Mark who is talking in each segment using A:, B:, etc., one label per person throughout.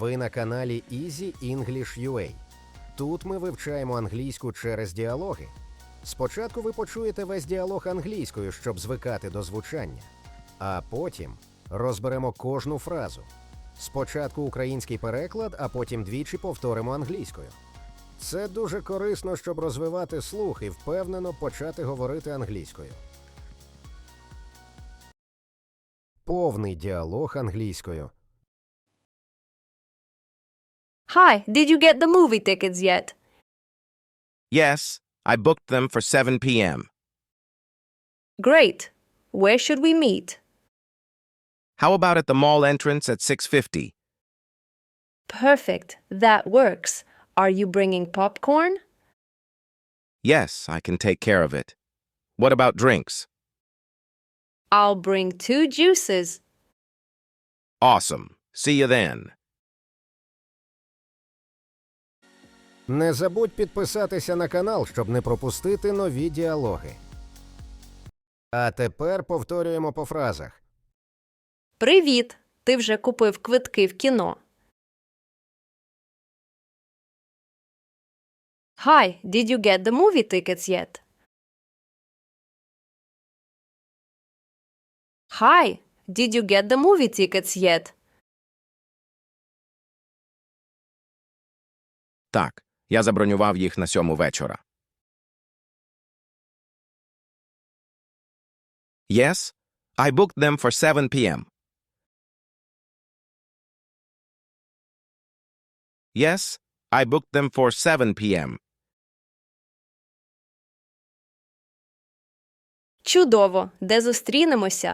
A: Ви на каналі Easy English UA. Тут ми вивчаємо англійську через діалоги. Спочатку ви почуєте весь діалог англійською, щоб звикати до звучання. А потім розберемо кожну фразу. Спочатку український переклад, а потім двічі повторимо англійською. Це дуже корисно, щоб розвивати слух і впевнено почати говорити англійською. Повний діалог англійською.
B: Hi, did you get the movie tickets yet?
C: Yes, I booked them for 7 p.m.
B: Great. Where should we meet?
C: How about at the mall entrance at 6:50?
B: Perfect. That works. Are you bringing popcorn?
C: Yes, I can take care of it. What about drinks?
B: I'll bring 2 juices.
C: Awesome. See you then.
A: Не забудь підписатися на канал, щоб не пропустити нові діалоги. А тепер повторюємо по фразах.
B: Привіт. Ти вже купив квитки в кіно? Hi, did you get the movie tickets yet? Hi, did you get the movie tickets yet?
C: Так, я забронював їх на 7 вечора. Yes, I booked them for 7 p.m. Yes, I booked them for 7 p.m.
B: Чудово. Де зустрінемося?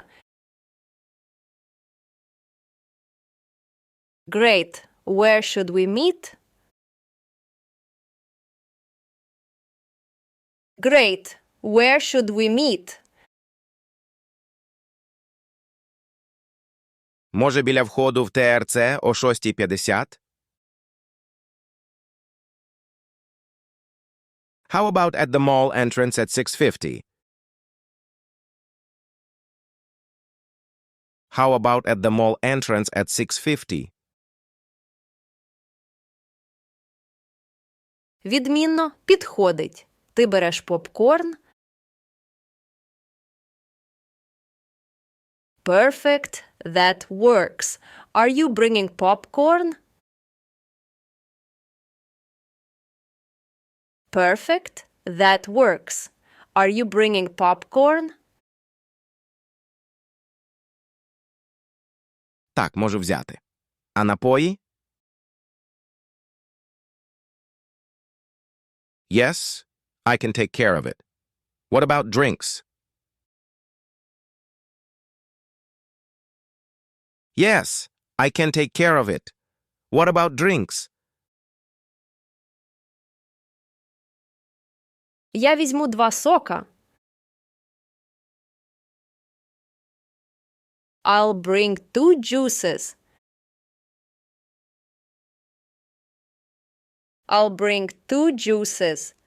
B: Great. Where should we meet? Great. Where should we meet?
C: Може, біля входу в ТРЦ о 6:50? How about at the mall entrance at 6:50? How about at the mall entrance at 6:50?
B: Відмінно. Підходить. Ти береш попкорн? Perfect. That works. Are you bringing popcorn? Perfect. That works. Are you bringing popcorn?
C: Так, можу взяти. А напої? Yes, I can take care of it. What about drinks? Yes, I can take care of it. What about drinks?
B: Я візьму 2 сока. I'll bring 2 juices. I'll bring 2 juices.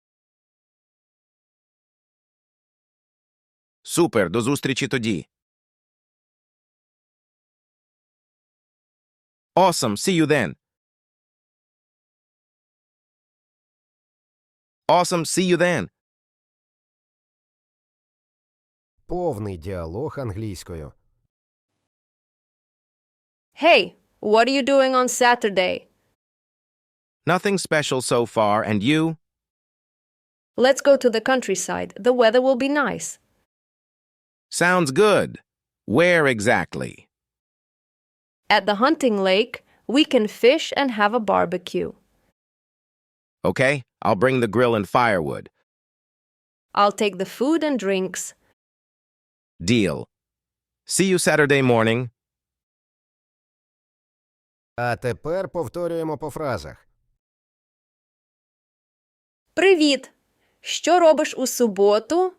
C: Супер, до зустрічі тоді. Awesome, see you then. Awesome, see you then.
A: Повний діалог англійською.
B: Hey, what are you doing on Saturday?
C: Nothing special so far, and you?
B: Let's go to the countryside. The weather will be nice.
C: Sounds good. Where exactly?
B: At the hunting lake, we can fish and have a barbecue.
C: Okay, I'll bring the grill and firewood.
B: I'll take the food and drinks.
C: Deal. See you Saturday morning.
A: А тепер повторюємо по фразах.
B: Привіт! Що робиш у суботу?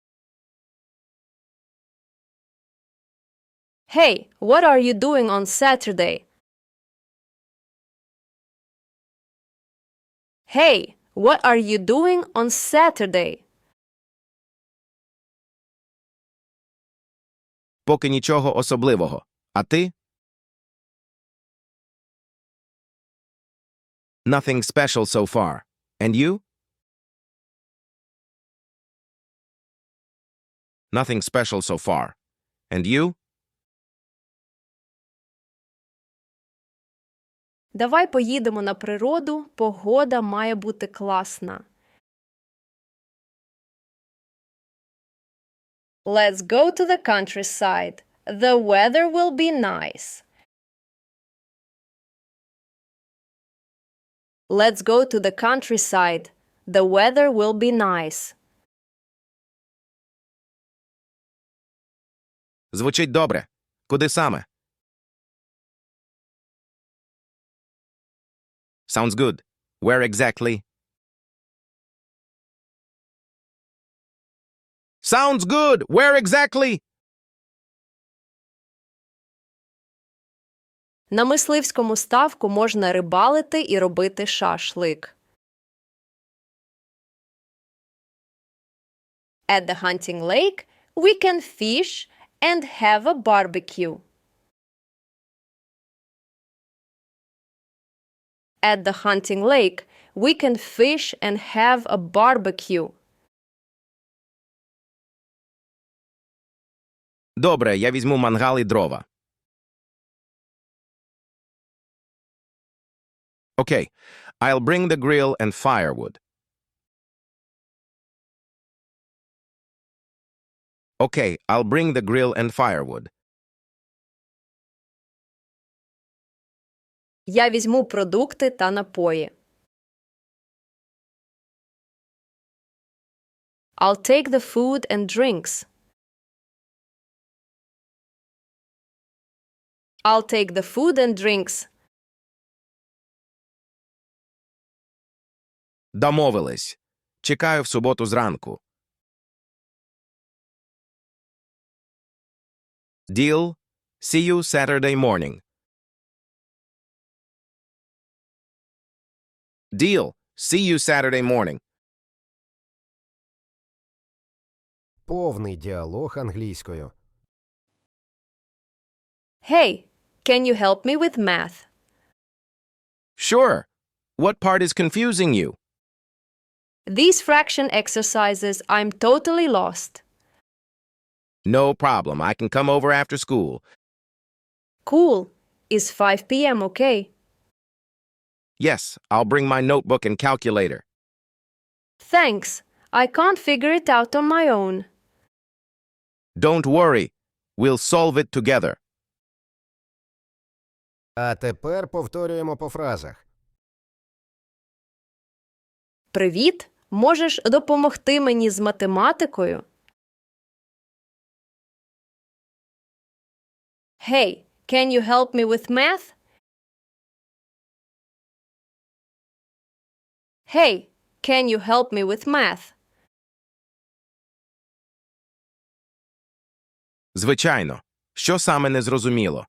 B: Hey, what are you doing on Saturday? Hey, what are you doing on Saturday?
C: Поки нічого особливого. А ти? Nothing special so far. And you? Nothing special so far. And you?
B: Давай поїдемо на природу, погода має бути класна. Let's go to the countryside. The weather will be nice. Let's go to the countryside. The weather will be nice.
C: Звучить добре. Куди саме? Sounds good. Where exactly? Sounds good. Where exactly?
B: На мисливському ставку можна рибалити і робити шашлик. At the hunting lake, we can fish and have a barbecue. At the hunting lake, we can fish and have a barbecue.
C: Добре, я візьму мангал і дрова. Okay, I'll bring the grill and firewood. Okay, I'll bring the grill and firewood.
B: Я візьму продукти та напої. I'll take the food and drinks. I'll take the food and drinks.
C: Домовились. Чекаю в суботу зранку. Deal. See you Saturday morning. Deal. See you Saturday morning.
A: Повний діалог англійською.
B: Hey, can you help me with math?
C: Sure. What part is confusing you?
B: These fraction exercises, I'm totally lost.
C: No problem. I can come over after school.
B: Cool. Is 5 p.m. okay?
C: Yes, I'll bring my notebook and calculator.
B: Thanks. I can't figure it out on my own.
C: Don't worry. We'll solve it together.
A: А тепер повторюємо по фразах.
B: Привіт. Можеш допомогти мені з математикою? Hey, can you help me with math? Hey, can you help me with math?
C: Звичайно. Що саме не зрозуміло?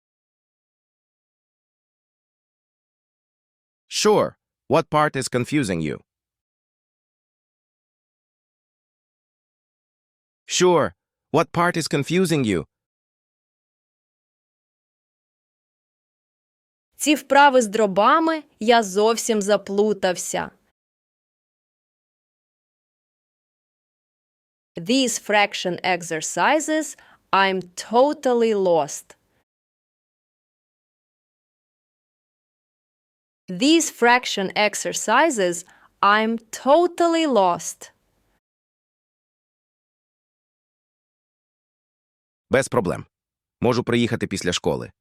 C: Sure. What part is confusing you? Sure. What part is confusing you?
B: Ці вправи з дробами я зовсім заплутався. These fraction exercises, I'm totally lost. These fraction exercises, I'm totally lost.
C: Без проблем. Можу приїхати після школи.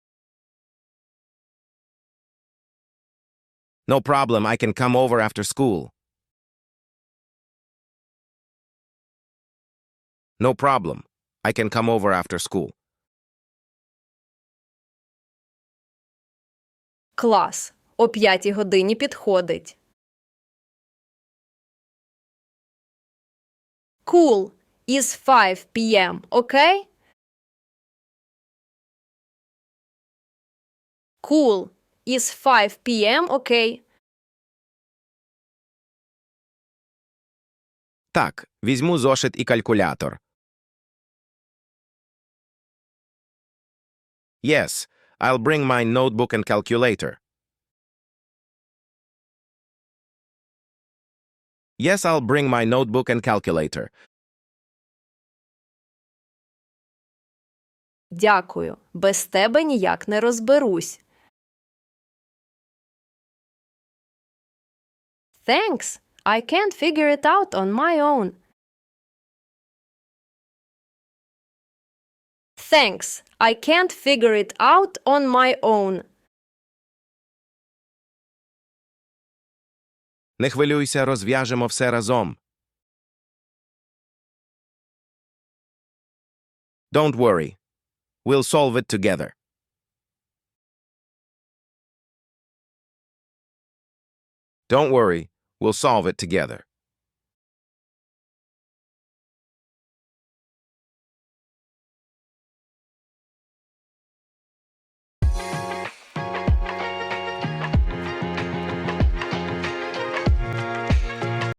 C: No problem. I can come over after school. No problem. I can come over after school.
B: Клас. О 5 годині підходить. Cool. Is 5 p.m. okay? Cool. Is 5 p.m. okay?
C: Так, візьму зошит і калькулятор. Yes, I'll bring my notebook and calculator. Yes, I'll bring my notebook and calculator.
B: Дякую. Без тебе ніяк не розберусь. Thanks. I can't figure it out on my own. Thanks. I can't figure it out on my own.
C: Не хвилюйся, розв'яжемо все разом. Don't worry. We'll solve it together. Don't worry. We'll solve it together.